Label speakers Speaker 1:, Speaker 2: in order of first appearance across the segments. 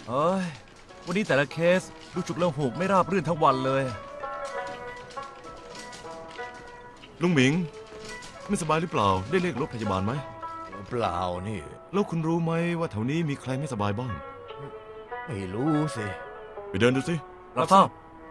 Speaker 1: เฮ้ยวันนี้แต่ละเคสดูฉุกละหุกไม่ราบรื่นทั้งวันเลย
Speaker 2: ลุงหมิงไม่สบายหรือเปล่าได้เรียกรถพยาบาลไหม
Speaker 3: เปล่านี่
Speaker 2: แล้วคุณรู้ไหมว่าแถวนี้มีใครไม่สบายบ้าง
Speaker 3: ไม่รู้สิ
Speaker 2: ไปเดินดูสิ
Speaker 1: รับทราบ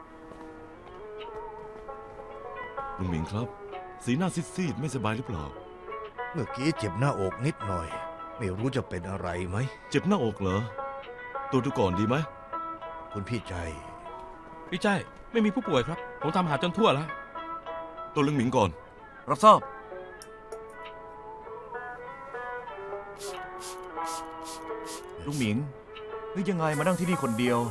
Speaker 2: ลุงหมิงครับ สีหน้าซีดๆไม่สบายหรือเปล่า
Speaker 3: เมื่อกี้เจ็บหน้าอกนิดหน่อย ไม่รู้จะเป็นอะไรไหม
Speaker 2: เจ็บหน้าอกเหรอตรวจดูก่อนดีไหม
Speaker 3: คุณพี่ใจ
Speaker 4: พี่ใจไม่มีผู้ป่วยครับ ผมทำหาจนทั่วแล้ว
Speaker 2: ตรวจลุงหมิงก่อน
Speaker 1: รับทราบลุงหมิงนึกยังไงมานั่งที่นี่คนเดียว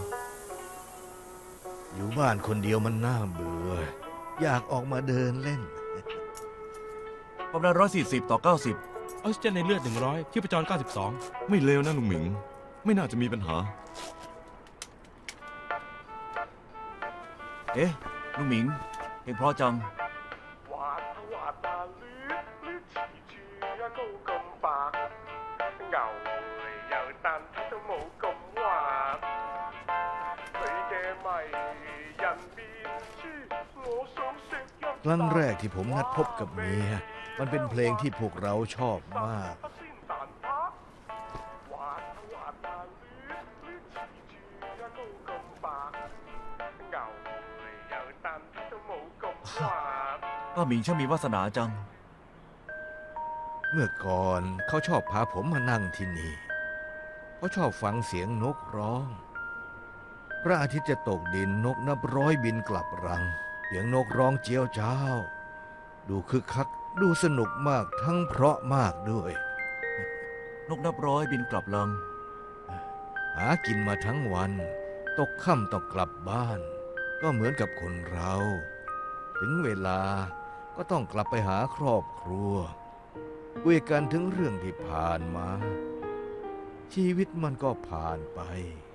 Speaker 3: อยู่บ้านคนเดียวมันน่าเบื่อ อยากออกมาเดินเล่น
Speaker 1: ความดัน140 ต่อ 90
Speaker 4: ออกซิเจนในเลือด100ชีพจร92
Speaker 2: ไม่เลวนะลุงหมิง ไม่น่าจะมีปัญหา
Speaker 1: เอ๊ะลุงหมิงเพลงเพราะจัง
Speaker 5: 滑啊滑啊捋捋黐住一高咁白，牛嚟又但睇到冇咁滑，佢嘅迷人面珠，我想食一啖。
Speaker 3: ครั้งแรกที่ผมนัดพบกับเมีย มันเป็นเพลงที่พวกเราชอบมาก
Speaker 5: 鮮蛋撻，滑啊滑啊捋捋黐住一高咁白，牛嚟又但睇到冇咁滑。
Speaker 1: ป้าหมิงช่างมีวาสนาจัง
Speaker 3: เมื่อก่อนเขาชอบพาผมมานั่งที่นี่เขาชอบฟังเสียงนกร้อง พระอาทิตย์จะตกดินนกนับร้อยบินกลับรัง เสียงนกร้องเจียวจ้าว ดูคึกคักดูสนุกมากทั้งเพราะมากด้วย
Speaker 1: นกนับร้อยบินกลับรัง
Speaker 3: หากินมาทั้งวัน ตกค่ำต้องกลับบ้าน ก็เหมือนกับคนเรา ถึงเวลาก็ต้องกลับไปหาครอบครัวคุยกันถึงเรื่องที่ผ่านมา ชีวิตมันก็ผ่านไป